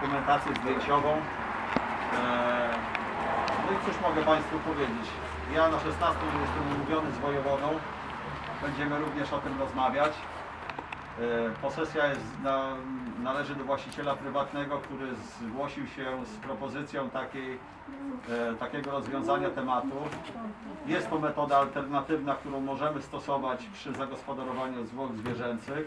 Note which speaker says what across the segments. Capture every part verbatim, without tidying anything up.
Speaker 1: dokumentację zdjęciową. No i cóż mogę Państwu powiedzieć. Ja na szesnastym jestem umówiony z wojewodą. Będziemy również o tym rozmawiać. Posesja jest na, należy do właściciela prywatnego, który zgłosił się z propozycją takiej, takiego rozwiązania tematu. Jest to metoda alternatywna, którą możemy stosować przy zagospodarowaniu zwłok zwierzęcych.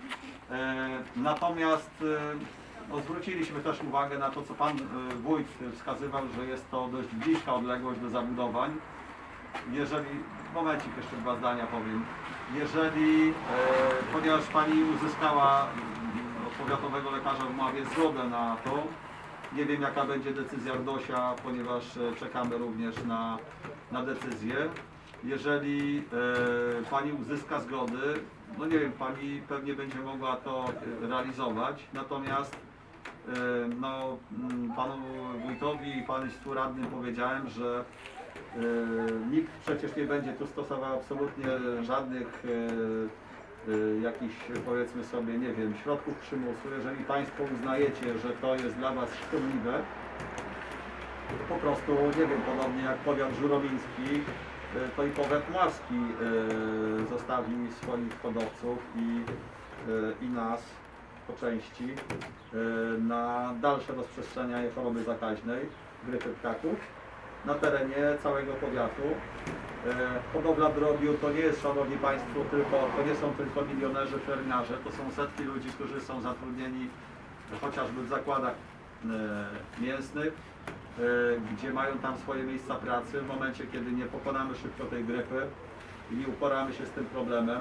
Speaker 1: Natomiast no, zwróciliśmy też uwagę na to, co Pan Wójt wskazywał, że jest to dość bliska odległość do zabudowań. Jeżeli, momencik, jeszcze dwa zdania powiem. Jeżeli, e, ponieważ Pani uzyskała od powiatowego lekarza w Mławie zgodę na to, nie wiem jaka będzie decyzja RDOŚ-a, ponieważ czekamy również na, na decyzję. Jeżeli e, Pani uzyska zgody, no nie wiem, Pani pewnie będzie mogła to realizować, natomiast e, no, Panu Wójtowi i Państwu radnym powiedziałem, że Yy, nikt przecież nie będzie tu stosował absolutnie żadnych yy, yy, jakichś, powiedzmy sobie, nie wiem, środków przymusu. Jeżeli Państwo uznajecie, że to jest dla Was szkodliwe, to po prostu, nie wiem, podobnie jak powiat żuromiński, yy, to i powiat mławski yy, zostawi swoich hodowców i, yy, i nas po części yy, na dalsze rozprzestrzenianie choroby zakaźnej, grypy ptaków na terenie całego powiatu. Hodowla drobiu to nie jest, Szanowni Państwo, tylko, to nie są tylko milionerzy, fermiarze, to są setki ludzi, którzy są zatrudnieni chociażby w zakładach mięsnych, gdzie mają tam swoje miejsca pracy. W momencie, kiedy nie pokonamy szybko tej grypy i nie uporamy się z tym problemem,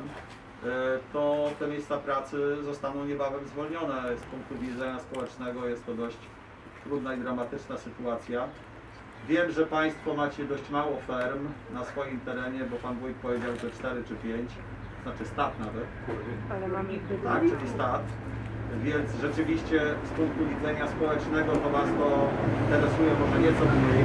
Speaker 1: to te miejsca pracy zostaną niebawem zwolnione. Z punktu widzenia społecznego jest to dość trudna i dramatyczna sytuacja. Wiem, że Państwo macie dość mało ferm na swoim terenie, bo Pan Wójt powiedział, że cztery czy pięć, znaczy stat nawet.
Speaker 2: Ale mamy
Speaker 1: Tak, czyli stat. Więc rzeczywiście z punktu widzenia społecznego to Was to interesuje może nieco mniej.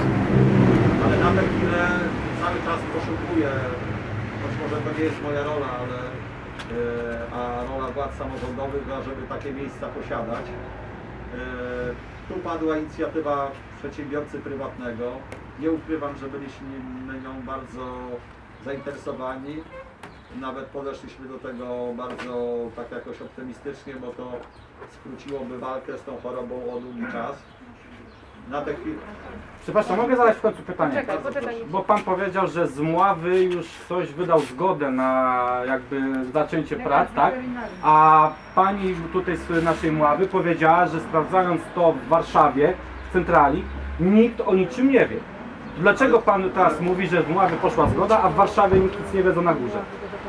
Speaker 1: Ale na tę chwilę cały czas poszukuję, choć może to nie jest moja rola, ale yy, a rola władz samorządowych, żeby takie miejsca posiadać. Yy, Tu padła inicjatywa przedsiębiorcy prywatnego. Nie ukrywam, że byliśmy nią bardzo zainteresowani. Nawet podeszliśmy do tego bardzo tak jakoś optymistycznie, bo to skróciłoby walkę z tą chorobą o długi czas. Na tę chwilę...
Speaker 3: Przepraszam, mogę zadać w końcu pytanie?
Speaker 2: Poczekaj, poczekaj.
Speaker 3: Bo Pan powiedział, że z Mławy już ktoś wydał zgodę na jakby zaczęcie prac, tak? A Pani tutaj z naszej Mławy powiedziała, że sprawdzając to w Warszawie, w centrali, nikt o niczym nie wie. Dlaczego Pan teraz mówi, że w Mławie poszła zgoda, a w Warszawie nikt nic nie wiedzą na górze?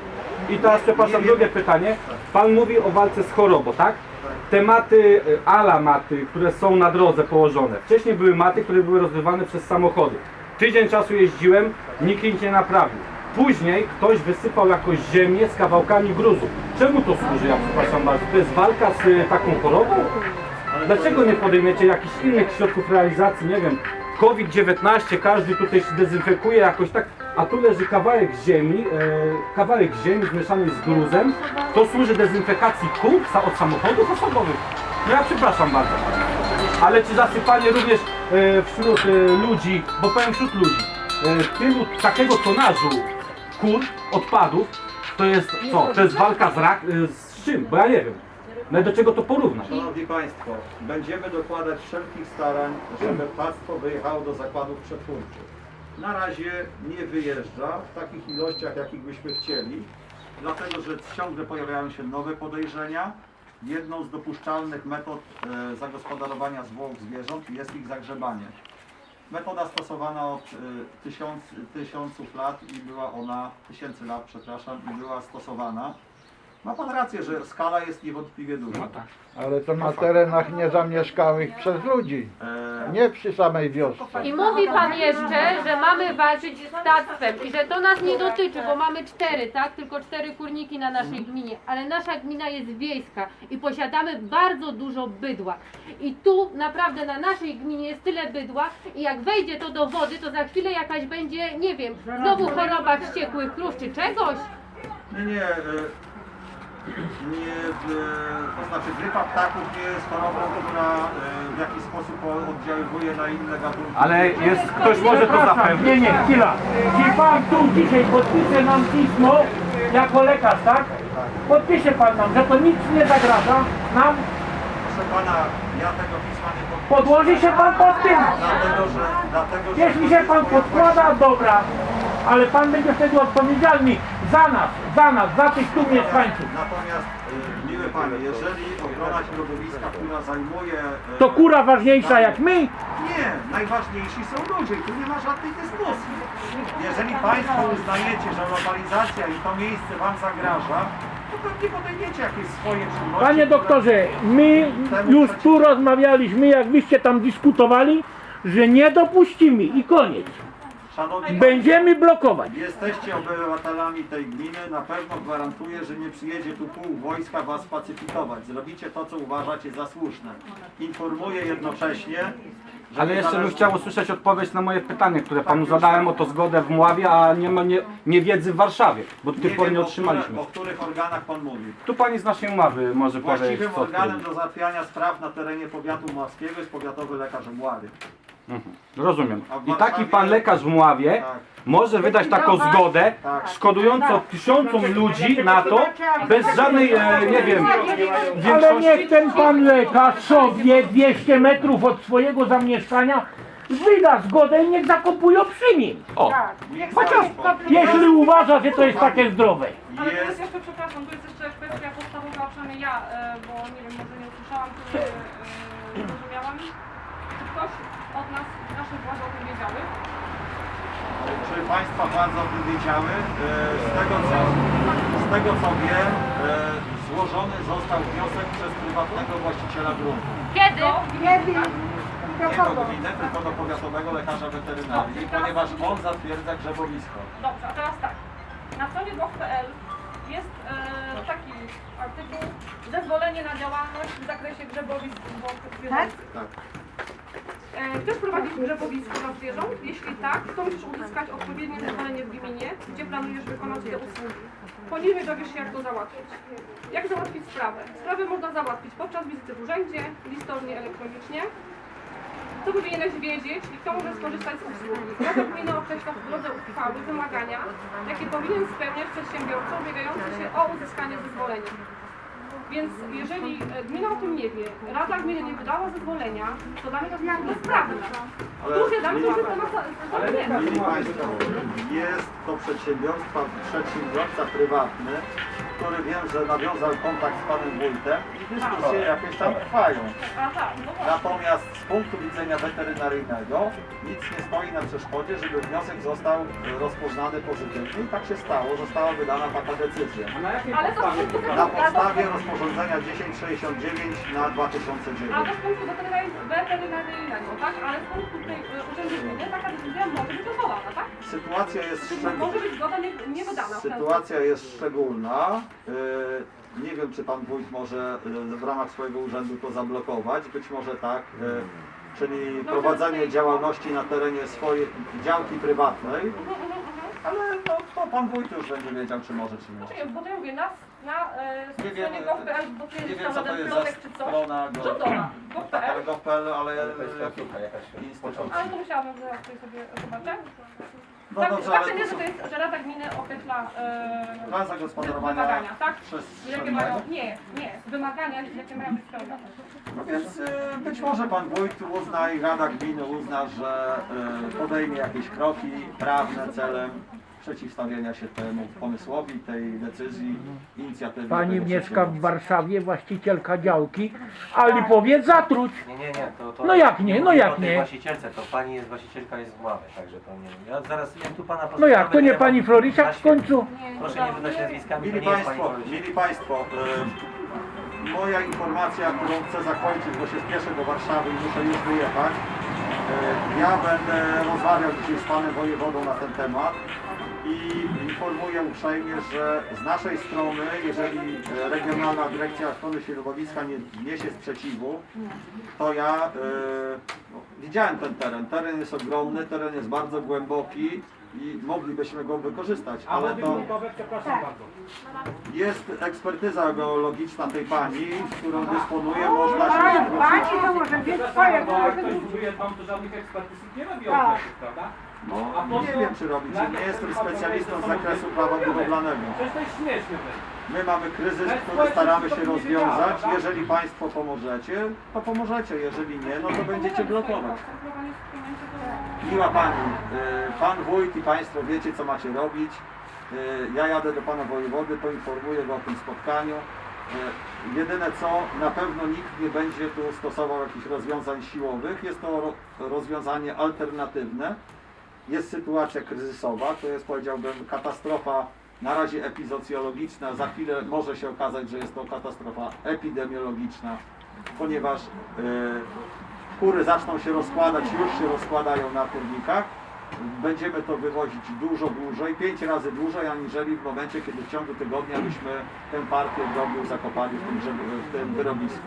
Speaker 3: I teraz przepraszam, drugie pytanie. Pan mówi o walce z chorobą, tak? Te maty, ala maty, które są na drodze położone. Wcześniej były maty, które były rozrywane przez samochody. Tydzień czasu jeździłem, nikt ich nie naprawił. Później ktoś wysypał jakąś ziemię z kawałkami gruzu. Czemu to służy, ja przepraszam bardzo? To jest walka z taką chorobą? Dlaczego nie podejmiecie jakichś innych środków realizacji, nie wiem, COVID dziewiętnaście, każdy tutaj się dezynfekuje jakoś tak, a tu leży kawałek ziemi, e, kawałek ziemi zmieszany z gruzem, to służy dezynfekacji kół od samochodów osobowych. No ja przepraszam bardzo. Ale czy zasypanie również e, wśród e, ludzi, bo powiem wśród ludzi, e, tylu takiego tonażu kur, odpadów, to jest co? To jest walka z, rak, e, z czym? Bo ja nie wiem. No do czego to porównać?
Speaker 1: Szanowni Państwo, będziemy dokładać wszelkich starań, żeby Państwo wyjechało do zakładów przetwórczych. Na razie nie wyjeżdża w takich ilościach, jakich byśmy chcieli, dlatego że ciągle pojawiają się nowe podejrzenia. Jedną z dopuszczalnych metod e, zagospodarowania zwłok zwierząt jest ich zagrzebanie. Metoda stosowana od e, tysiąc, tysiąców lat i była ona, tysięcy lat, przepraszam, i była stosowana. Ma Pan rację, że skala jest niewątpliwie duża.
Speaker 4: Ale to na terenach niezamieszkałych przez ludzi,
Speaker 1: E,
Speaker 4: nie przy samej wiosce.
Speaker 2: I mówi Pan jeszcze, że mamy walczyć z ptactwem i że to nas nie dotyczy, bo mamy cztery, tak? Tylko cztery kurniki na naszej gminie, ale nasza gmina jest wiejska i posiadamy bardzo dużo bydła. I tu naprawdę na naszej gminie jest tyle bydła i jak wejdzie to do wody, to za chwilę jakaś będzie, nie wiem, znowu choroba wściekłych krów czy czegoś.
Speaker 1: nie, nie. E, Nie, to znaczy grypa ptaków nie jest chorobą, która jakiś sposób oddziaływuje na inne gatunki.
Speaker 3: Ale jest, ktoś może to
Speaker 5: Przepraszam,
Speaker 3: zapewnić.
Speaker 5: nie, nie, chwila. Czy pan tu dzisiaj podpisze nam pismo jako lekarz, tak? Podpisze pan nam, że to nic nie zagraża nam.
Speaker 1: Proszę pana, ja tego pisma nie podpiszę.
Speaker 5: Podłoży się pan pod tym.
Speaker 1: Dlatego, że... Dlatego, że
Speaker 5: Jeśli się pan podkłada, dobra. Ale pan będzie wtedy odpowiedzialny za nas, za nas, za tych tu mieszkańców.
Speaker 1: Natomiast, y, miły panie, jeżeli ochrona środowiska, która zajmuje... y,
Speaker 5: To kura ważniejsza jak my?
Speaker 1: Nie, najważniejsi są ludzie i tu nie ma żadnej dyskusji. Jeżeli państwo uznajecie, że lokalizacja i to miejsce wam zagraża, to pewnie podejmiecie jakieś swoje czynności.
Speaker 5: Panie
Speaker 1: które-
Speaker 5: doktorze, my już tu rozmawialiśmy, jak wyście tam dyskutowali, że nie dopuścimy i koniec.
Speaker 1: Szanowni
Speaker 5: Będziemy blokować.
Speaker 1: Jesteście obywatelami tej gminy, na pewno gwarantuję, że nie przyjedzie tu pół wojska was pacyfikować. Zrobicie to, co uważacie za słuszne. Informuję jednocześnie, że
Speaker 3: Ale jeszcze bym
Speaker 1: niezależnie-
Speaker 3: chciał usłyszeć odpowiedź na moje pytanie, które panu zadałem o to zgodę w Mławie, a nie, ma, nie, nie wiedzy w Warszawie, bo do tej pory
Speaker 1: wiem,
Speaker 3: nie
Speaker 1: o
Speaker 3: otrzymaliśmy.
Speaker 1: które- O których organach pan mówi.
Speaker 3: Tu pani z naszej Mławy może powiedzieć,
Speaker 1: Właściwym
Speaker 3: co
Speaker 1: organem
Speaker 3: odkryli.
Speaker 1: do załatwiania spraw na terenie powiatu mławskiego jest powiatowy lekarz w Mławie.
Speaker 3: Mhm. Rozumiem.
Speaker 1: A w
Speaker 3: I taki
Speaker 1: Warszawie-
Speaker 3: pan lekarz w Mławie
Speaker 1: Tak.
Speaker 3: może wydać taką zgodę,
Speaker 1: Tak.
Speaker 3: szkodującą tysiącom ludzi na to, bez żadnej, e, nie wiem,
Speaker 5: Ale
Speaker 3: większości.
Speaker 5: niech ten pan lekarz sobie dwieście metrów od swojego zamieszkania wyda zgodę i niech zakopuje przy nim.
Speaker 3: O,
Speaker 5: Chociaż jeśli uważa, że to jest takie zdrowe.
Speaker 6: Ale tu jest
Speaker 1: Jest,
Speaker 6: jeszcze, przepraszam, tu jest jeszcze kwestia podstawowa, przynajmniej ja, e, bo nie wiem, może nie usłyszałam, czy nie e, zrozumiałam. Czy ktoś od nas, naszych władz o tym wiedziały?
Speaker 1: czy państwa władze o tym wiedziały? E, Z tego co, z tego, co wiem, e, złożony został wniosek przez prywatnego właściciela gruntu.
Speaker 2: Kiedy?
Speaker 1: Nie do gminy, tylko do powiatowego lekarza weterynarii, ponieważ on zatwierdza grzebowisko.
Speaker 6: Dobrze, a teraz tak. Na stronie gov kropka p l jest e, taki artykuł zezwolenie na działalność w zakresie grzebowisk zwierząt.
Speaker 1: Tak.
Speaker 6: E, Chcesz prowadzić grzebowisko dla zwierząt? Jeśli tak, to musisz uzyskać odpowiednie zezwolenie w gminie, gdzie planujesz wykonać te usługi. Po nim dowiesz się, jak to załatwić. Jak załatwić sprawę? Sprawę można załatwić podczas wizyty w urzędzie, listownie, elektronicznie. Co powinieneś wiedzieć i kto może skorzystać z usługi? Rada Gminy określa w drodze uchwały wymagania, jakie powinien spełniać przedsiębiorca ubiegający się o uzyskanie zezwolenia. Więc jeżeli e, gmina o tym nie wie, Rada Gminy nie wydała zezwolenia, to dla mnie to jest bezprawne.
Speaker 1: Ale
Speaker 6: Tu się dam, to już temat zamknięty.
Speaker 1: Mili Państwo, jest to przedsiębiorstwa, przedsiębiorca prywatny, który wiem, że nawiązał kontakt z panem wójtem i dyskusje jakieś tam trwają.
Speaker 6: A tak, no właśnie.
Speaker 1: Natomiast z punktu widzenia weterynaryjnego nic nie stoi na przeszkodzie, żeby wniosek został rozpoznany pozytywnie i tak się stało, została wydana taka decyzja.
Speaker 6: Ale to z punktu
Speaker 1: Na podstawie rozporządzenia tysiąc sześćdziesiąt dziewięć na dwa tysiące
Speaker 6: Ale
Speaker 1: dziewięć.
Speaker 6: to z punktu weterynaryjnego, weterynaryjnego, tak? Ale z punktu tej e, urzędu gminy taka decyzja może być odwołana, tak?
Speaker 1: Sytuacja jest
Speaker 6: Może
Speaker 1: szczególna.
Speaker 6: być zgoda nie, nie wydana. w ten
Speaker 1: Sytuacja jest szczególna. Yy, Nie wiem, czy pan wójt może yy, w ramach swojego urzędu to zablokować. Być może tak. Yy, Czyli prowadzenie działalności na terenie swojej działki prywatnej. Ale no, to pan wójt już będzie wiedział, czy może, czy nie.
Speaker 6: Czekaj, bo to ja mówię, na, na e,
Speaker 1: Nie wiem,
Speaker 6: stronie gov kropka p l, bo tu
Speaker 1: nie
Speaker 6: jest
Speaker 1: wiem,
Speaker 6: tam
Speaker 1: co to
Speaker 6: żaden
Speaker 1: jest za
Speaker 6: plotek czy coś.
Speaker 1: strona go-
Speaker 6: Rządowa, gov kropka
Speaker 1: Tak,
Speaker 6: p
Speaker 1: ale
Speaker 6: l.
Speaker 1: gov kropka p l, ale jaki instytut.
Speaker 6: Ale to musiałabym zaraz tutaj sobie zobaczyć.
Speaker 1: No
Speaker 6: Tak,
Speaker 1: dobrze,
Speaker 6: fakt
Speaker 1: ale
Speaker 6: jest,
Speaker 1: to
Speaker 6: że,
Speaker 1: są
Speaker 6: to jest, że Rada Gminy określa e,
Speaker 1: plan zagospodarowania
Speaker 6: wymagania, tak? Jakie mają,
Speaker 1: przestrzennego.
Speaker 6: nie, nie, wymagania, jakie mają być spełnione.
Speaker 1: No więc y, być może pan wójt uzna i Rada Gminy uzna, że y, podejmie jakieś kroki prawne celem przeciwstawienia się temu pomysłowi, tej decyzji, inicjatywie.
Speaker 5: Pani
Speaker 1: tego
Speaker 5: mieszka w
Speaker 1: przedsiębiorstwa.
Speaker 5: Warszawie, właścicielka działki, ale powiedz zatruć.
Speaker 7: Nie, nie, nie, to, to
Speaker 5: No jak nie, no
Speaker 7: mówię
Speaker 5: jak
Speaker 7: o tej
Speaker 5: nie?
Speaker 7: właścicielce, to pani jest właścicielka jest w Mławie, także to nie. Ja zaraz ja tu pana
Speaker 5: No jak, to nie
Speaker 7: mam
Speaker 5: pani Florisiak
Speaker 7: na
Speaker 5: w
Speaker 7: świecie.
Speaker 5: końcu?
Speaker 7: Proszę nie wydać nazwiskami, to
Speaker 1: Mili
Speaker 7: nie jest pani
Speaker 1: Państwo,
Speaker 7: Florisiak.
Speaker 1: mili Państwo, y, moja informacja, którą chcę zakończyć, bo się spieszę do Warszawy i muszę już wyjechać. Y, ja będę rozmawiał dzisiaj z panem wojewodą na ten temat. i informuję uprzejmie, że z naszej strony, jeżeli e, Regionalna Dyrekcja Ochrony Środowiska nie wniesie sprzeciwu, to ja e, no, widziałem ten teren. Teren jest ogromny, teren jest bardzo głęboki i moglibyśmy go wykorzystać,
Speaker 5: A
Speaker 1: ale
Speaker 5: wody
Speaker 1: to
Speaker 5: gruntowe, przepraszam bardzo.
Speaker 1: jest ekspertyza geologiczna tej pani, którą dysponuje, można się zwrócić.
Speaker 8: to może być
Speaker 3: Przepraszam
Speaker 8: twoje,
Speaker 3: bardzo, ale ktoś buduje tam, to żadnych ekspertyz nie robi o oddechów, prawda?
Speaker 1: No,
Speaker 3: A po
Speaker 1: nie
Speaker 3: co-
Speaker 1: wiem czy robić, nie jestem specjalistą z zakresu prawa budowlanego.
Speaker 3: Przecież to jest śmieszne.
Speaker 1: My mamy kryzys, który staramy się rozwiązać. Jeżeli Państwo pomożecie, to pomożecie. Jeżeli nie, no to będziecie blokować. Miła Pani, y, Pan Wójt i Państwo wiecie, co macie robić. Y, Ja jadę do Pana Wojewody, poinformuję Go o tym spotkaniu. Y, Jedyne co, na pewno nikt nie będzie tu stosował jakichś rozwiązań siłowych. Jest to ro- rozwiązanie alternatywne. Jest sytuacja kryzysowa, to jest, powiedziałbym, katastrofa na razie epizocjologiczna. Za chwilę może się okazać, że jest to katastrofa epidemiologiczna, ponieważ y, kury zaczną się rozkładać, już się rozkładają na kurnikach. Będziemy to wywozić dużo dłużej, pięć razy dłużej, aniżeli w momencie, kiedy w ciągu tygodnia byśmy tę partię drobiu zakopali w tym, drzew- w tym wyrobisku.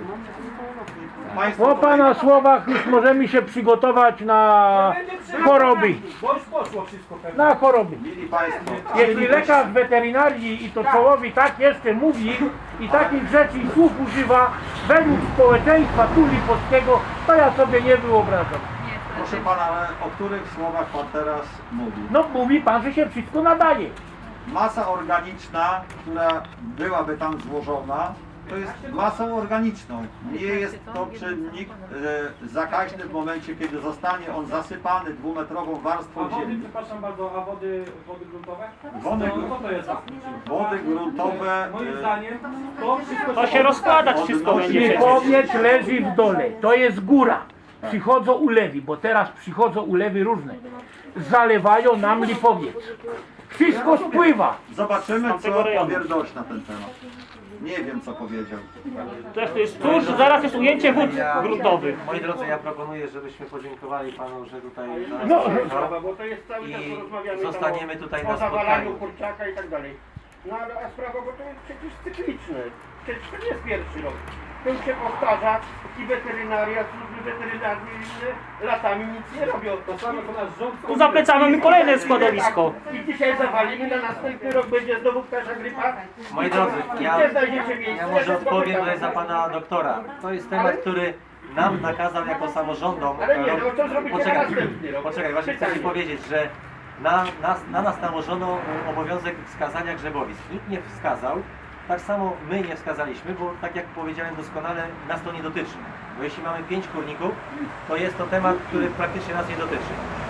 Speaker 1: Państwo
Speaker 5: Po
Speaker 1: tutaj-
Speaker 5: Pana słowach już możemy się przygotować na choroby.
Speaker 3: Bo już poszło wszystko pewnie.
Speaker 5: Na choroby.
Speaker 1: Mili Państwo,
Speaker 5: Jeśli lekarz weterynarii i to czołowi tak jeszcze mówi i takich rzeczy i słów używa według społeczeństwa tuli polskiego, to ja sobie nie wyobrażam.
Speaker 1: proszę Pana, ale o których słowach Pan teraz mówi?
Speaker 5: No mówi Pan, że się wszystko nadaje.
Speaker 1: Masa organiczna, która byłaby tam złożona, to jest masą organiczną. Nie jest to czynnik e, zakaźny w momencie, kiedy zostanie on zasypany dwumetrową
Speaker 3: A
Speaker 1: warstwą
Speaker 3: wody,
Speaker 1: ziemi.
Speaker 3: przepraszam bardzo, a wody, wody gruntowe?
Speaker 1: Wody
Speaker 3: No,
Speaker 1: gru-
Speaker 3: co to jest za czynnik?
Speaker 1: Wody gruntowe,
Speaker 3: Moim
Speaker 1: e,
Speaker 3: zdaniem to wszystko
Speaker 9: To się rozkładać wszystko
Speaker 1: Odnosi-
Speaker 9: będzie.
Speaker 5: Śliwowiec leży w dole, to jest góra. Przychodzą ulewy, bo teraz przychodzą ulewy różne. Zalewają nam Lipowiec. Wszystko spływa.
Speaker 1: Zobaczymy,
Speaker 9: tamtego
Speaker 1: co
Speaker 9: rejonu.
Speaker 1: powie Dość na ten temat. Nie wiem, co powiedział.
Speaker 9: Też to jest tuż, zaraz jest ujęcie wód gruntowych.
Speaker 7: Moi drodzy, ja proponuję, żebyśmy podziękowali Panu, że tutaj do nas
Speaker 5: No,
Speaker 7: przyjechał.
Speaker 8: bo to jest cały czas
Speaker 7: I
Speaker 8: rozmawiamy
Speaker 7: zostaniemy tutaj
Speaker 8: tam o,
Speaker 7: na
Speaker 8: o zawalaniu
Speaker 7: spotkaniu.
Speaker 8: kurczaka i tak dalej. No ale a sprawa, bo to jest przecież cykliczne. Przecież to nie jest pierwszy rok. To już się powtarza i weterynaria, służby weterynaryjne latami nic nie robią.
Speaker 3: To samo co nasz rząd.
Speaker 9: Tu za plecami mamy kolejne składowisko.
Speaker 8: I dzisiaj zawalimy, na następny rok będzie znowu ptasza grypa.
Speaker 7: Moi drodzy, ja,
Speaker 8: Nie znajdziecie miejsca.
Speaker 7: ja może
Speaker 8: się
Speaker 7: odpowiem
Speaker 8: spotykamy.
Speaker 7: tutaj za Pana doktora. To jest temat, który nam nakazał jako samorządom.
Speaker 8: Ale nie, no to zrobicie na
Speaker 7: Poczekaj,
Speaker 8: następny rok.
Speaker 7: poczekaj, właśnie chcę Ci
Speaker 8: Pytanie.
Speaker 7: powiedzieć, że na nas, na nas nałożono obowiązek wskazania grzebowisk. Nikt nie wskazał, tak samo my nie wskazaliśmy, bo tak jak powiedziałem doskonale, nas to nie dotyczy. Bo jeśli mamy pięć kurników, to jest to temat, który praktycznie nas nie dotyczy.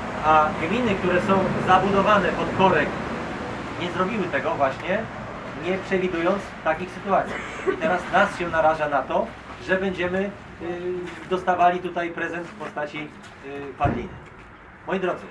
Speaker 7: A gminy, które są zabudowane pod korek, nie zrobiły tego właśnie, nie przewidując takich sytuacji. I teraz nas się naraża na to, że będziemy y, dostawali tutaj prezent w postaci y, padliny. Moi drodzy,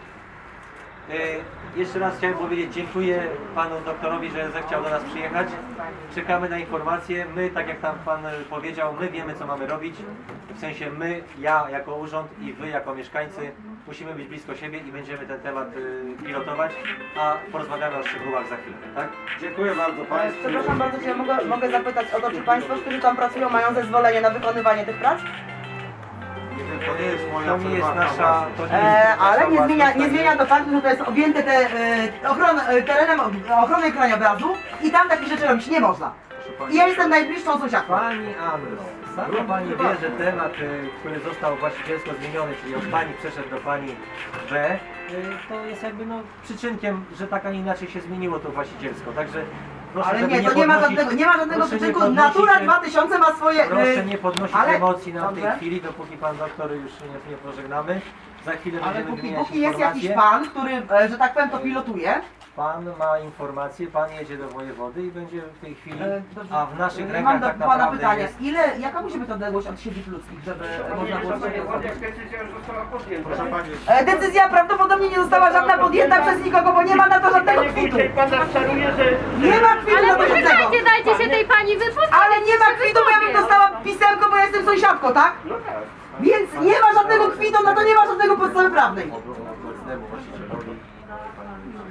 Speaker 7: y, jeszcze raz chciałem powiedzieć dziękuję Panu doktorowi, że zechciał do nas przyjechać. Czekamy na informacje. My, tak jak tam Pan powiedział, my wiemy, co mamy robić. W sensie my, ja jako urząd i Wy jako mieszkańcy musimy być blisko siebie i będziemy ten temat y, pilotować, a porozmawiamy o szczegółach za chwilę, tak?
Speaker 1: Dziękuję bardzo Państwu.
Speaker 10: Przepraszam bardzo, czy ja mogę, mogę zapytać o to, czy Państwo, którzy tam pracują, mają zezwolenie na wykonywanie tych prac?
Speaker 1: Nie wiem, to nie jest moja
Speaker 7: To nie jest
Speaker 1: prywatna
Speaker 7: nasza...
Speaker 1: własność.
Speaker 7: To nie jest
Speaker 10: E,
Speaker 7: nasza
Speaker 10: ale nie zmienia,
Speaker 7: własność,
Speaker 10: nie
Speaker 7: tak
Speaker 10: zmienia to faktu, że to jest objęte te, e, ochron, e, terenem ochrony krajobrazu i tam takich rzeczy robić nie można. I ja jestem najbliższą sąsiadką.
Speaker 7: Pani Anno, sama Pani wie, że temat, y, który został właścicielsko zmieniony, czyli od Pani przeszedł do Pani B, y, to jest jakby no przyczynkiem, że tak, a nie inaczej się zmieniło to właścicielsko. Także proszę,
Speaker 10: Ale
Speaker 7: żeby
Speaker 10: nie, to nie ma
Speaker 7: podnosić-
Speaker 10: żadnego, nie ma żadnego
Speaker 7: proszę nie
Speaker 10: przyczynku.
Speaker 7: podnosić,
Speaker 10: Natura
Speaker 7: y,
Speaker 10: dwa tysiące ma swoje... e,
Speaker 7: Proszę nie podnosić
Speaker 10: ale-
Speaker 7: emocji na tej
Speaker 10: Dobrze.
Speaker 7: chwili, dopóki Pan doktor już nie, nie pożegnamy. Za chwilę
Speaker 10: Ale
Speaker 7: będziemy
Speaker 10: póki,
Speaker 7: wymieniać
Speaker 10: póki jest jakiś
Speaker 7: informacje.
Speaker 10: pan, który, e, że tak powiem, to pilotuje,
Speaker 7: Pan ma informacje, Pan jedzie do wojewody i będzie w tej chwili,
Speaker 10: e, dobrze.
Speaker 7: a w naszych
Speaker 10: E,
Speaker 7: rękach
Speaker 10: mam do
Speaker 7: tak
Speaker 10: pana
Speaker 7: naprawdę
Speaker 10: pytanie,
Speaker 7: jest...
Speaker 10: ile, jaka musi być odległość od siedzib ludzkich, żeby można było coś
Speaker 8: Jak
Speaker 10: zrobić?
Speaker 8: decyzja już została podjęta.
Speaker 1: Proszę Pani,
Speaker 10: E, Decyzja prawdopodobnie nie została żadna podjęta przez nikogo, bo nie ma na to żadnego
Speaker 8: Panie
Speaker 10: kwitu.
Speaker 8: wójcie, Pan nas czaruje, że...
Speaker 10: Nie ma kwitu
Speaker 2: Ale
Speaker 10: na to żadnego.
Speaker 2: poczekajcie, dajcie się tej pani wypowiedzieć.
Speaker 10: Ale nie ma kwitu, bo ja bym dostała pisemko, bo ja jestem sąsiadką, tak?
Speaker 8: No tak.
Speaker 10: Więc nie ma żadnego kwitu, na to nie ma żadnego podstawy prawnej.
Speaker 7: obecnemu właścicielowi.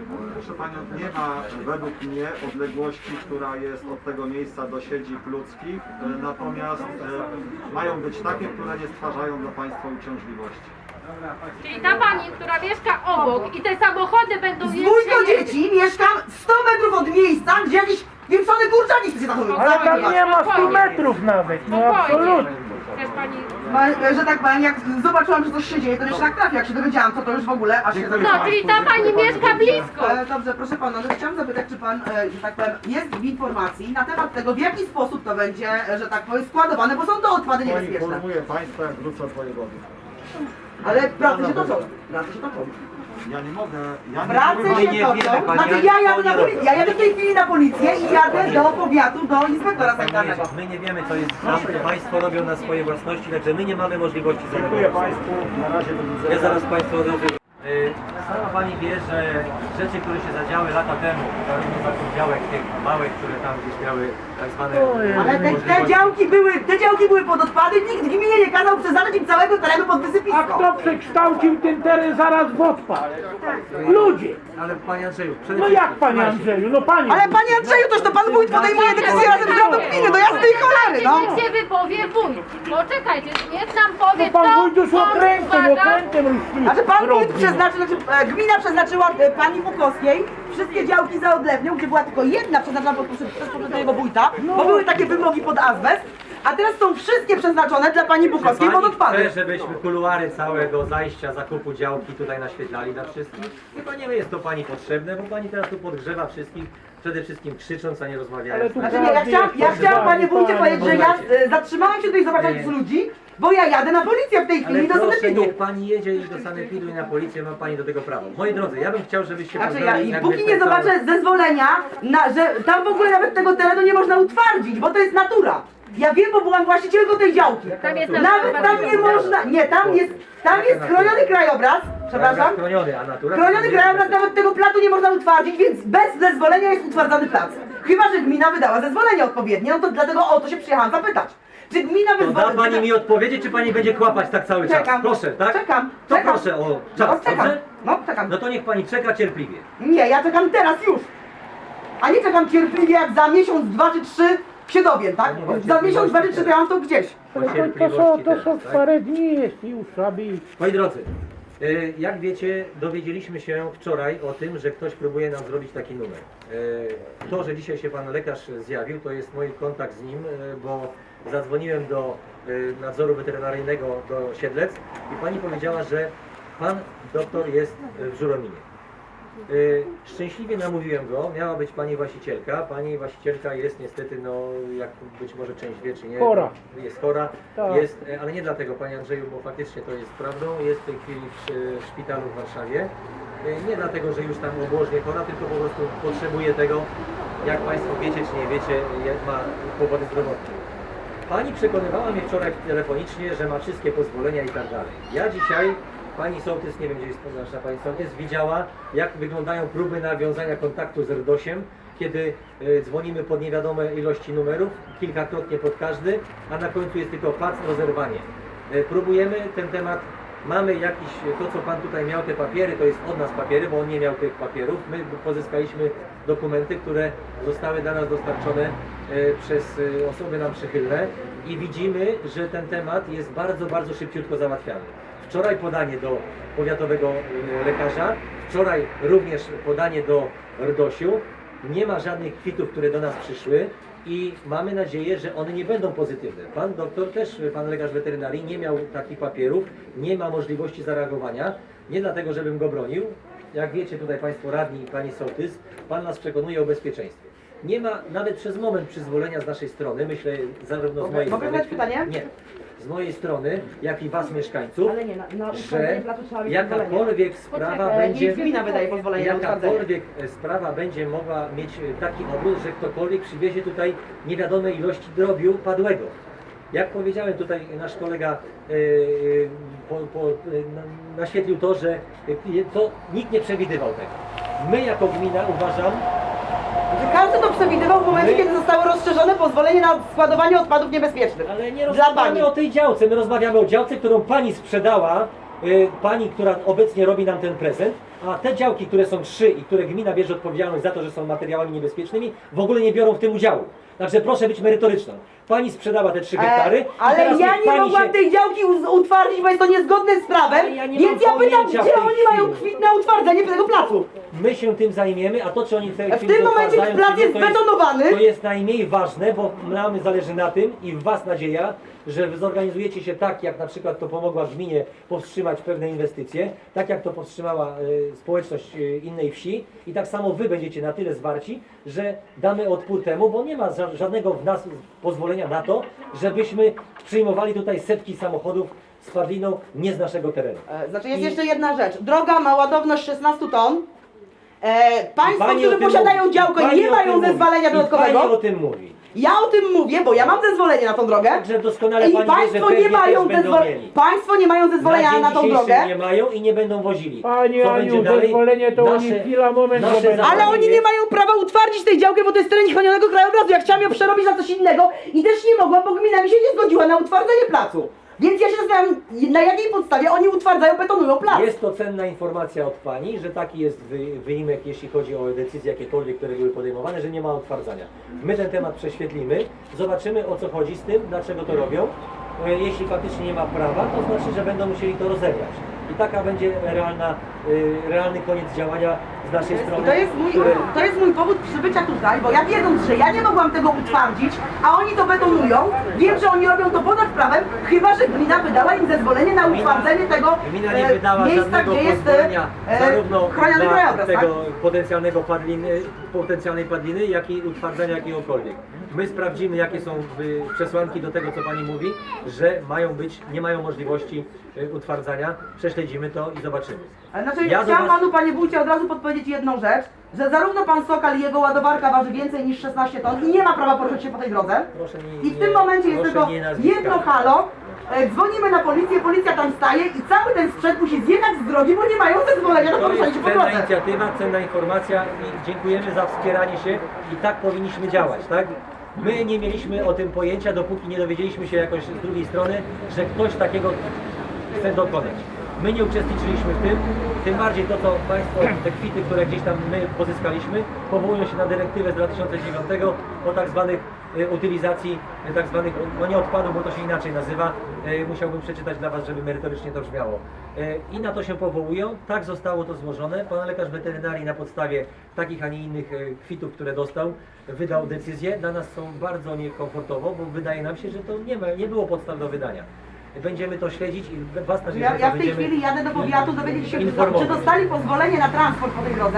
Speaker 1: Proszę Panią, nie ma według mnie odległości, która jest od tego miejsca do siedzib ludzkich, e, natomiast e, mają być takie, które nie stwarzają dla Państwa uciążliwości.
Speaker 2: Czyli ta pani, która mieszka obok i te samochody będą
Speaker 10: Z dwójką
Speaker 2: jeździć-
Speaker 10: dzieci mieszkam sto metrów od miejsca, gdzie jakiś pieprzony kurczaki chce się zachowywać.
Speaker 5: Ale tam nie ma stu metrów nawet, no
Speaker 2: Spokojnie.
Speaker 5: absolutnie.
Speaker 2: Też pani...
Speaker 10: Ma- Że tak powiem, jak zobaczyłam, że coś się dzieje, to jeszcze tak trafi, jak się dowiedziałam, co to już w ogóle, aż się
Speaker 2: No, czyli ta pani mieszka blisko.
Speaker 10: E, Dobrze, proszę pana, no chciałam zapytać, czy pan, e, że tak powiem, jest w informacji na temat tego, w jaki sposób to będzie, e, że tak powiem, składowane, bo są to odpady niebezpieczne.
Speaker 1: Poinformuję Państwa, jak wrócę od wojewody.
Speaker 10: Ale prace się toczą, prace się toczą.
Speaker 1: Ja nie mogę, ja nie
Speaker 10: Prace
Speaker 1: mogę...
Speaker 10: się
Speaker 7: nie
Speaker 10: toczą,
Speaker 7: wiemy, pani,
Speaker 10: znaczy
Speaker 7: jak
Speaker 10: ja
Speaker 7: to
Speaker 10: jadę
Speaker 7: oni
Speaker 10: na policję,
Speaker 7: robią.
Speaker 10: ja jadę w tej chwili na policję i jadę do powiatu, do inspektora sanitarnego.
Speaker 7: My nie wiemy, co jest tam, Państwo robią na swojej własności, także my nie mamy możliwości
Speaker 1: Dziękuję
Speaker 7: zareagować.
Speaker 1: Państwu, na razie do widzenia.
Speaker 7: Ja zaraz Państwu odejdę. Y, Sama Pani wie, że rzeczy, które się zadziały lata temu, zarówno za tych działek tych małych, które tam gdzieś miały tak zwane...
Speaker 10: Ale te, te
Speaker 7: możliwości-
Speaker 10: działki były, te działki były pod odpady, nikt w gminie nie kazał przeznaczyć im całego terenu pod
Speaker 5: A
Speaker 10: wysypisko.
Speaker 5: kto przekształcił ten teren zaraz w odpad? Ludzie!
Speaker 7: Ale Panie Andrzeju, przede
Speaker 5: No
Speaker 7: wszystkim...
Speaker 5: jak panie
Speaker 7: słuchajcie,
Speaker 5: Andrzeju, no panie!
Speaker 10: Ale panie Andrzeju, toż to pan wójt podejmuje decyzję razem z radą gminy, do jasnej cholery, no!
Speaker 2: Niech się wypowie wójt. Poczekajcie, niech nam powie,
Speaker 5: No pan
Speaker 2: co
Speaker 5: wójt już
Speaker 2: on
Speaker 5: okrętem,
Speaker 2: składa.
Speaker 5: okrętem ruszki.
Speaker 10: Znaczy pan wójt przeznaczył, znaczy e, gmina przeznaczyła e, pani Bukowskiej wszystkie działki za odlewnią, gdzie była tylko jedna przeznaczona pod, przez przez poprzedniego wójta, bo były takie wymogi pod azbest, a teraz są wszystkie przeznaczone dla pani Bukowskiej pod
Speaker 7: Pani
Speaker 10: odpady.
Speaker 7: chce, żebyśmy kuluary całego zajścia, zakupu działki tutaj naświetlali dla wszystkich? Chyba nie jest to Pani potrzebne, bo Pani teraz tu podgrzewa wszystkich, przede wszystkim krzycząc, a nie
Speaker 5: Ale
Speaker 7: rozmawiając.
Speaker 5: tu
Speaker 10: Znaczy nie, ja chciałam, ja chciałam panie wójcie powiedzieć, że ja e, zatrzymałam się tutaj zobaczyć z ludzi, bo ja jadę na policję w tej chwili
Speaker 7: Ale
Speaker 10: do
Speaker 7: proszę,
Speaker 10: sanepidu.
Speaker 7: niech Pani jedzie i do sanepidu i na policję, ma Pani do tego prawo. Moi drodzy, ja bym chciał, żebyście
Speaker 10: Znaczy ja,
Speaker 7: poznali
Speaker 10: i
Speaker 7: jakby
Speaker 10: póki
Speaker 7: ten
Speaker 10: nie
Speaker 7: cały-
Speaker 10: zobaczę zezwolenia, na, że tam w ogóle nawet tego terenu nie można utwardzić, bo to jest natura. Ja wiem, bo byłam właścicielką tej działki.
Speaker 2: Tam jest
Speaker 10: Nawet tam nie można, nie, tam jest, tam jest chroniony krajobraz, przepraszam.
Speaker 7: Chroniony, a natura...
Speaker 10: Chroniony krajobraz, nawet tego platu nie można utwardzić, więc bez zezwolenia jest utwardzany plac. Chyba że gmina wydała zezwolenie odpowiednie, no to dlatego o to się przyjechałam zapytać. Czy gmina
Speaker 7: To da
Speaker 10: wyzwoli...
Speaker 7: Pani mi odpowiedzieć, czy Pani będzie kłapać tak cały czas?
Speaker 10: Czekam.
Speaker 7: Proszę, tak?
Speaker 10: Czekam,
Speaker 7: To
Speaker 10: czekam.
Speaker 7: proszę o
Speaker 10: No
Speaker 7: czas,
Speaker 10: czekam,
Speaker 7: dobrze?
Speaker 10: no czekam.
Speaker 7: No to niech Pani czeka cierpliwie.
Speaker 10: Nie, ja czekam teraz już. A nie czekam cierpliwie jak za miesiąc, dwa czy trzy się dowiem, tak?
Speaker 7: No nie,
Speaker 10: Za miesiąc, dwa czy trzy to ja mam to gdzieś.
Speaker 7: O
Speaker 5: To, to, są,
Speaker 7: cierpliwości
Speaker 5: to są
Speaker 7: teraz, tak?
Speaker 5: parę dni jest już, aby...
Speaker 7: Moi drodzy, y, jak wiecie, dowiedzieliśmy się wczoraj o tym, że ktoś próbuje nam zrobić taki numer. Y, To, że dzisiaj się Pan lekarz zjawił, to jest mój kontakt z nim, y, bo zadzwoniłem do y, nadzoru weterynaryjnego do Siedlec i Pani powiedziała, że Pan doktor jest w Żurominie. Y, Szczęśliwie namówiłem go, miała być Pani właścicielka. Pani właścicielka jest niestety, no jak być może część wie czy nie,
Speaker 5: Chora.
Speaker 7: jest chora,
Speaker 5: Tak.
Speaker 7: jest, e, ale nie dlatego Panie Andrzeju, bo faktycznie to jest prawdą, jest w tej chwili w, w szpitalu w Warszawie. Y, Nie dlatego, że już tam obłożnie chora, tylko po prostu potrzebuje tego, jak Państwo wiecie czy nie wiecie, jak ma powody zdrowotne. Pani przekonywała mnie wczoraj telefonicznie, że ma wszystkie pozwolenia i tak dalej. Ja dzisiaj, Pani Sołtys, nie wiem gdzie jest nasza Pani Sołtys, widziała jak wyglądają próby nawiązania kontaktu z RDOŚ-iem, kiedy y, dzwonimy pod niewiadome ilości numerów, kilkakrotnie pod każdy, a na końcu jest tylko pac, rozerwanie. Y, próbujemy ten temat, mamy jakiś, to co Pan tutaj miał, te papiery, to jest od nas papiery, bo on nie miał tych papierów. My pozyskaliśmy dokumenty, które zostały dla nas dostarczone y, przez y, osoby nam przychylne i widzimy, że ten temat jest bardzo, bardzo szybciutko załatwiany. Wczoraj podanie do powiatowego y, lekarza, wczoraj również podanie do RDOŚ-u. Nie ma żadnych kwitów, które do nas przyszły i mamy nadzieję, że one nie będą pozytywne. Pan doktor też, pan lekarz weterynarii nie miał takich papierów, nie ma możliwości zareagowania. Nie dlatego, żebym go bronił. Jak wiecie tutaj Państwo radni i Pani Sołtys, Pan nas przekonuje o bezpieczeństwie. Nie ma nawet przez moment przyzwolenia z naszej strony, myślę zarówno z
Speaker 10: Mogę-
Speaker 7: mojej
Speaker 10: mogę
Speaker 7: strony...
Speaker 10: zadać pytanie?
Speaker 7: Nie. Z mojej strony, jak i Was mieszkańców,
Speaker 10: Ale nie, na, na
Speaker 7: że
Speaker 10: utwardzenie placu trzeba mieć pozwolenie.
Speaker 7: jakakolwiek sprawa
Speaker 10: Poczekaj,
Speaker 7: będzie...
Speaker 10: niech gmina wydaje pozwolenie na utwardzenie.
Speaker 7: Jakakolwiek e, sprawa będzie mogła mieć e, taki obrót, że ktokolwiek przywiezie tutaj niewiadome ilości drobiu padłego. Jak powiedziałem tutaj, nasz kolega e, e, po, po, e, na- naświetlił to, że e, to nikt nie przewidywał tego. My jako gmina uważam,
Speaker 10: Że każdy to przewidywał w momencie,
Speaker 7: My-
Speaker 10: kiedy zostało rozszerzone pozwolenie na składowanie odpadów niebezpiecznych.
Speaker 7: ale nie
Speaker 10: Dla
Speaker 7: rozmawiamy
Speaker 10: pani.
Speaker 7: o tej działce, my rozmawiamy o działce, którą Pani sprzedała, y, Pani, która obecnie robi nam ten prezent, a te działki, które są trzy i które gmina bierze odpowiedzialność za to, że są materiałami niebezpiecznymi, w ogóle nie biorą w tym udziału. Także proszę być merytoryczną. Pani sprzedała te trzy hektary.
Speaker 10: E,
Speaker 7: i
Speaker 10: ale
Speaker 7: teraz
Speaker 10: ja
Speaker 7: niech
Speaker 10: nie
Speaker 7: pani
Speaker 10: mogłam
Speaker 7: się...
Speaker 10: tej działki uz- utwardzić, bo jest to niezgodne z prawem,
Speaker 7: Ale ja nie
Speaker 10: więc
Speaker 7: mam
Speaker 10: ja pytam,
Speaker 7: pojęcia w
Speaker 10: gdzie
Speaker 7: tej
Speaker 10: oni mają
Speaker 7: chwili.
Speaker 10: kwit na utwardzenie tego placu.
Speaker 7: My się tym zajmiemy, a to czy oni w tej
Speaker 10: W
Speaker 7: chwili
Speaker 10: tym momencie
Speaker 7: utwierdzają,
Speaker 10: plac
Speaker 7: czy nie,
Speaker 10: jest
Speaker 7: to
Speaker 10: betonowany.
Speaker 7: To jest najmniej ważne, bo nam zależy na tym i w Was nadzieja, że wy zorganizujecie się tak, jak na przykład to pomogła gminie powstrzymać pewne inwestycje, tak jak to powstrzymała e, społeczność e, innej wsi i tak samo Wy będziecie na tyle zwarci, że damy odpór temu, bo nie ma ża- żadnego w nas pozwolenia na to, żebyśmy przyjmowali tutaj setki samochodów z padliną nie z naszego terenu.
Speaker 10: E, Znaczy jest
Speaker 7: I-
Speaker 10: jeszcze jedna rzecz. Droga ma ładowność szesnaście ton. E, państwo,
Speaker 7: Pani o
Speaker 10: którzy
Speaker 7: tym
Speaker 10: posiadają
Speaker 7: mówi.
Speaker 10: działkę,
Speaker 7: Pani
Speaker 10: nie
Speaker 7: o
Speaker 10: mają
Speaker 7: tym
Speaker 10: zezwolenia
Speaker 7: mówi. I
Speaker 10: dodatkowego.
Speaker 7: Pani o tym mówi.
Speaker 10: Ja o tym mówię, bo ja mam zezwolenie na tą drogę.
Speaker 7: Także doskonale
Speaker 10: I
Speaker 7: Pani wie, że
Speaker 10: państwo
Speaker 7: pewnie
Speaker 10: nie mają
Speaker 7: też będą
Speaker 10: zezwolenia.
Speaker 7: mieli.
Speaker 10: Państwo nie mają zezwolenia
Speaker 7: Na
Speaker 10: na,
Speaker 7: dzień
Speaker 10: tą
Speaker 7: dzisiejszy
Speaker 10: drogę.
Speaker 7: nie mają i nie będą wozili.
Speaker 5: Pani
Speaker 7: Co
Speaker 5: Aniu,
Speaker 7: będzie dalej?
Speaker 5: zezwolenie to oni
Speaker 7: Nasze-
Speaker 5: chwila, moment,
Speaker 7: nasze
Speaker 5: to będzie.
Speaker 10: Ale oni nie mają prawa utwardzić tej działki, bo to jest teren chronionego krajobrazu. Ja chciałam ją przerobić na coś innego i też nie mogłam, bo gmina mi się nie zgodziła na utwardzenie placu. Więc ja się zastanawiam, na jakiej podstawie oni utwardzają, betonują plac.
Speaker 7: Jest to cenna informacja od Pani, że taki jest wy, wyimek, jeśli chodzi o decyzje jakiekolwiek, które były podejmowane, że nie ma utwardzania. My ten temat prześwietlimy, zobaczymy o co chodzi z tym, dlaczego to robią. E, Jeśli faktycznie nie ma prawa, to znaczy, że będą musieli to rozegrać. I taka będzie realna, y, realny koniec działania z naszej strony.
Speaker 10: I to jest, mój,
Speaker 7: które-
Speaker 10: to jest mój powód przybycia tutaj, bo ja wiedząc, że ja nie mogłam tego utwardzić, a oni to betonują, wiem, że oni robią to ponad prawem, chyba że gmina wydała im zezwolenie na utwardzenie tego
Speaker 7: Gmina nie
Speaker 10: e,
Speaker 7: wydała
Speaker 10: miejsca,
Speaker 7: żadnego
Speaker 10: gdzie jest
Speaker 7: pozwolenia
Speaker 10: e,
Speaker 7: zarówno
Speaker 10: chroniony
Speaker 7: dla
Speaker 10: krajobraz, tak?
Speaker 7: tego potencjalnego padliny, potencjalnej padliny, jak i utwardzania jakiegokolwiek. My sprawdzimy, jakie są y, przesłanki do tego, co Pani mówi, że mają być, nie mają możliwości y, utwardzania. Prześledzimy to i zobaczymy.
Speaker 10: Ale Znaczy,
Speaker 7: Ja do
Speaker 10: chciałam
Speaker 7: was-
Speaker 10: panu, panie wójcie, od razu podpowiedzieć jedną rzecz, że zarówno pan Sokal i jego ładowarka waży więcej niż szesnaście ton i nie ma prawa poruszać się po tej drodze.
Speaker 7: Proszę nie,
Speaker 10: I w tym momencie jest
Speaker 7: proszę
Speaker 10: tylko
Speaker 7: nie nazwiska.
Speaker 10: jedno halo, e, dzwonimy na policję, policja tam staje i cały ten sprzęt musi zjechać z drogi, bo nie mają zezwolenia na
Speaker 7: To
Speaker 10: poruszanie
Speaker 7: jest
Speaker 10: się po
Speaker 7: cenna
Speaker 10: drodze.
Speaker 7: inicjatywa, cenna informacja i dziękujemy za wspieranie się i tak powinniśmy działać, tak? My nie mieliśmy o tym pojęcia, dopóki nie dowiedzieliśmy się jakoś z drugiej strony, że ktoś takiego chce dokonać. My nie uczestniczyliśmy w tym, tym bardziej to, co Państwo, te kwity, które gdzieś tam my pozyskaliśmy, powołują się na dyrektywę z dwa tysiące dziewiątego o tak zwanych e, utylizacji, e, tak zwanych, no nie odpadów, bo to się inaczej nazywa, e, musiałbym przeczytać dla Was, żeby merytorycznie to brzmiało. E, I na to się powołują, tak zostało to złożone. Pan lekarz weterynarii na podstawie takich, a nie innych e, kwitów, które dostał, wydał decyzję. Dla nas są bardzo niekomfortowo, bo wydaje nam się, że to nie, ma, nie było podstaw do wydania. Będziemy to śledzić i Was na
Speaker 10: Ja, ja w tej chwili jadę do powiatu dowiedzieć się, czy
Speaker 7: informować.
Speaker 10: dostali pozwolenie na transport po tej drodze,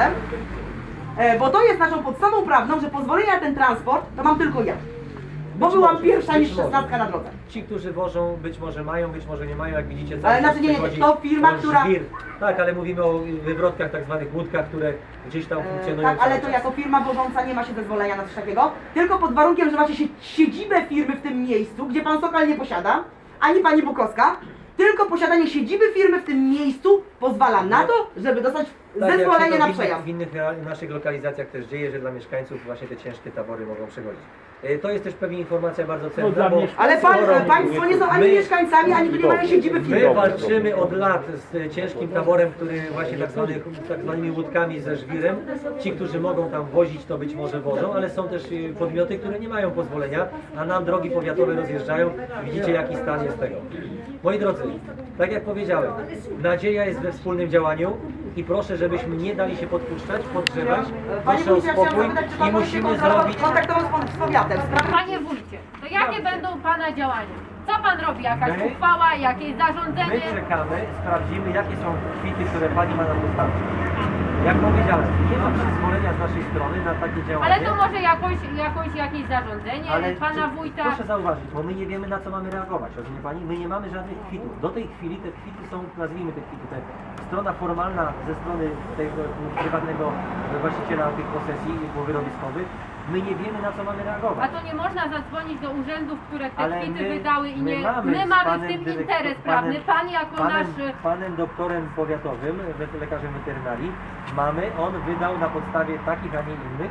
Speaker 10: e, bo to jest naszą podstawą prawną, że pozwolenie na ten transport to mam tylko ja. Bo
Speaker 7: Być
Speaker 10: byłam
Speaker 7: może,
Speaker 10: pierwsza
Speaker 7: być
Speaker 10: niż
Speaker 7: może.
Speaker 10: szesnastka na drodze.
Speaker 7: Ci, którzy wożą, być może mają, być może nie mają, jak widzicie, cały
Speaker 10: Ale
Speaker 7: czas
Speaker 10: znaczy nie, nie,
Speaker 7: przychodzi
Speaker 10: to firma,
Speaker 7: ten
Speaker 10: która-
Speaker 7: żwir. Tak, ale mówimy o wywrotkach, tak zwanych łódkach, które gdzieś tam
Speaker 10: E,
Speaker 7: funkcjonują
Speaker 10: tak, ale
Speaker 7: cały
Speaker 10: to
Speaker 7: czas.
Speaker 10: jako firma wożąca nie ma się zezwolenia na coś takiego, tylko pod warunkiem, że macie sie- siedzibę firmy w tym miejscu, gdzie pan Sokal nie posiada, ani pani Bukowska, tylko posiadanie siedziby firmy w tym miejscu pozwala na to, żeby dostać
Speaker 7: Tak, jak się
Speaker 10: zezwolenie
Speaker 7: to
Speaker 10: na
Speaker 7: w innych,
Speaker 10: przejazd.
Speaker 7: w innych real- naszych lokalizacjach też dzieje, że dla mieszkańców właśnie te ciężkie tabory mogą przechodzić. E, To jest też pewnie informacja bardzo cenna,
Speaker 5: dla
Speaker 7: bo
Speaker 5: mieszkańców.
Speaker 10: Ale pan,
Speaker 7: skoro
Speaker 10: państwo nie są ani
Speaker 7: my-
Speaker 10: mieszkańcami, ani tu nie mają siedziby
Speaker 7: My
Speaker 10: firmy.
Speaker 7: walczymy od lat z ciężkim taborem, który właśnie tak, zwany, tak zwanymi łódkami ze żwirem. Ci, którzy mogą tam wozić, to być może wożą, ale są też y, podmioty, które nie mają pozwolenia, a nam drogi powiatowe rozjeżdżają. Widzicie, jaki stan jest tego. Moi drodzy, tak jak powiedziałem, nadzieja jest we wspólnym działaniu i proszę, żebyśmy nie dali się podpuszczać, podgrzewać.
Speaker 10: Panie
Speaker 7: Proszę o
Speaker 10: wójcie, ja chciałam
Speaker 7: spokój
Speaker 10: zapytać, czy
Speaker 7: i
Speaker 10: pan może się
Speaker 7: musimy
Speaker 10: kontaktował-
Speaker 7: zrobić...
Speaker 10: kontaktował z pan- z powiatem w sprawie.
Speaker 2: Panie wójcie, to jakie będą Pana działania? Co Pan robi? Jakaś
Speaker 7: My-
Speaker 2: uchwała, jakieś
Speaker 7: My
Speaker 2: zarządzenie?
Speaker 7: czekamy, sprawdzimy, jakie są kwity, które Pani ma nam dostarczyć. Jak powiedziałem, nie ma przyzwolenia z naszej strony na takie działanie.
Speaker 2: Ale to może jakoś, jakoś jakieś zarządzenie Pana
Speaker 7: czy-
Speaker 2: wójta?
Speaker 7: Proszę zauważyć, bo my nie wiemy, na co mamy reagować, rozumie Pani? My nie mamy żadnych kwitów. Do tej chwili te kwity są, nazwijmy te kwity, te strona formalna ze strony tego prywatnego właściciela tych posesji wyrobiskowych. My nie wiemy, na co mamy
Speaker 2: A
Speaker 7: reagować.
Speaker 2: to nie można zadzwonić do urzędów, które te
Speaker 7: Ale
Speaker 2: kwity
Speaker 7: my-
Speaker 2: wydały i
Speaker 7: my
Speaker 2: nie...
Speaker 7: mamy
Speaker 2: My
Speaker 7: z
Speaker 2: mamy w
Speaker 7: panem
Speaker 2: tym
Speaker 7: dyrektor-
Speaker 2: interes
Speaker 7: panem-
Speaker 2: prawny. Pan jako
Speaker 7: Panem,
Speaker 2: nasz...
Speaker 7: panem doktorem powiatowym, wet- lekarzem weterynarii, mamy, on wydał na podstawie takich, a nie innych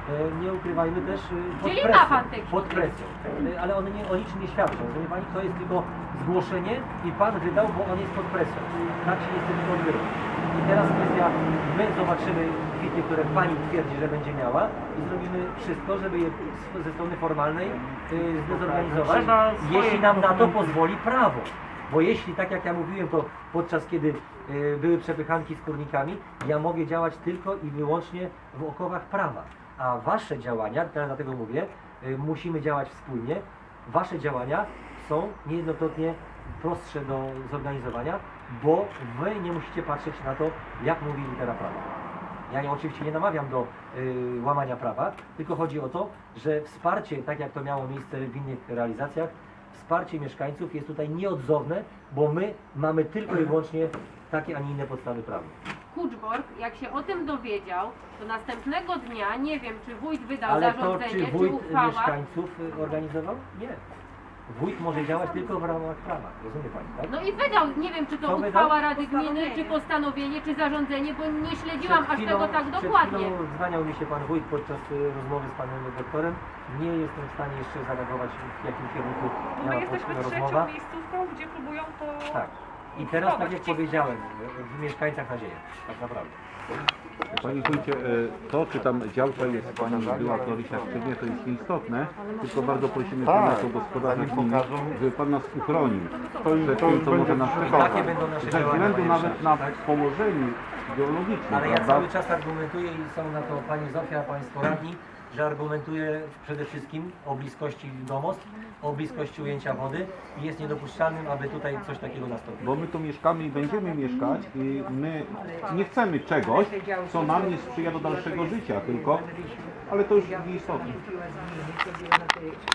Speaker 7: e, nie ukrywajmy też e, pod
Speaker 2: Czyli ma
Speaker 7: presją,
Speaker 2: pan te
Speaker 7: pod presją. E, Ale one nie, o niczym nie świadczą. Wie pani, to jest tylko zgłoszenie i pan wydał, bo on jest pod presją. Tak się niestety odbywa. I teraz kwestia, my zobaczymy kwity, które pani twierdzi, że będzie miała i zrobimy wszystko, żeby je z- ze strony formalnej y, zdezorganizować,
Speaker 9: Trzeba swoje
Speaker 7: jeśli nam na to
Speaker 9: dokumenty.
Speaker 7: pozwoli prawo. Bo jeśli, tak jak ja mówiłem, to podczas kiedy y, były przepychanki z kurnikami, ja mogę działać tylko i wyłącznie w okowach prawa. A wasze działania, teraz dlatego mówię, y, musimy działać wspólnie, wasze działania są niejednokrotnie prostsze do zorganizowania, bo wy nie musicie patrzeć na to, jak mówi litera prawa. Ja nie, oczywiście nie namawiam do y, łamania prawa, tylko chodzi o to, że wsparcie, tak jak to miało miejsce w innych realizacjach, wsparcie mieszkańców jest tutaj nieodzowne, bo my mamy tylko i wyłącznie takie, a nie inne podstawy prawne.
Speaker 2: Kuczborg, jak się o tym dowiedział, to następnego dnia, nie wiem, czy wójt wydał
Speaker 7: Ale to
Speaker 2: zarządzenie,
Speaker 7: czy
Speaker 2: czy,
Speaker 7: wójt
Speaker 2: uchwała.
Speaker 7: mieszkańców y, organizował? Nie. Wójt może działać tylko w ramach prawa, rozumie pani, tak?
Speaker 2: No i wydał, nie wiem, czy to
Speaker 7: Co
Speaker 2: uchwała
Speaker 7: wydał?
Speaker 2: Rady Gminy, czy postanowienie, czy zarządzenie, bo nie śledziłam
Speaker 7: Przed
Speaker 2: aż
Speaker 7: chwilą-
Speaker 2: tego tak
Speaker 7: Przed
Speaker 2: dokładnie.
Speaker 7: chwilą dzwaniał mi się pan wójt podczas y, rozmowy z panem doktorem. Nie jestem w stanie jeszcze zareagować, w jakim kierunku
Speaker 6: Bo my
Speaker 7: miała
Speaker 6: jesteśmy
Speaker 7: poszła
Speaker 6: trzecią
Speaker 7: rozmowa.
Speaker 6: miejscówką, gdzie próbują to...
Speaker 7: Tak. I teraz, tak jak
Speaker 6: wcisnąć.
Speaker 7: powiedziałem, w mieszkańcach nadzieja, tak naprawdę.
Speaker 11: Panie wójcie, e, to czy tam działka jest pani była Florysia aktywnie, to jest nieistotne, tylko bardzo prosimy pana jako gospodarza gminy, żeby pan nas uchronił przed tym, co może nas
Speaker 7: Takie
Speaker 11: czekać.
Speaker 7: będą nasze
Speaker 11: Ze
Speaker 7: działania,
Speaker 11: względu
Speaker 7: panie
Speaker 11: nawet na
Speaker 7: Ryszardzie, tak?
Speaker 11: położeniu geologicznym,
Speaker 7: Ale ja
Speaker 11: prawda?
Speaker 7: cały czas argumentuję i są na to pani Zofia, państwo radni, że argumentuję przede wszystkim o bliskości domostw, o bliskości ujęcia wody i jest niedopuszczalnym, aby tutaj coś takiego nastąpiło.
Speaker 11: Bo my tu mieszkamy i będziemy mieszkać i my nie chcemy czegoś, co nam nie sprzyja do dalszego życia, tylko, ale to już nieistotne.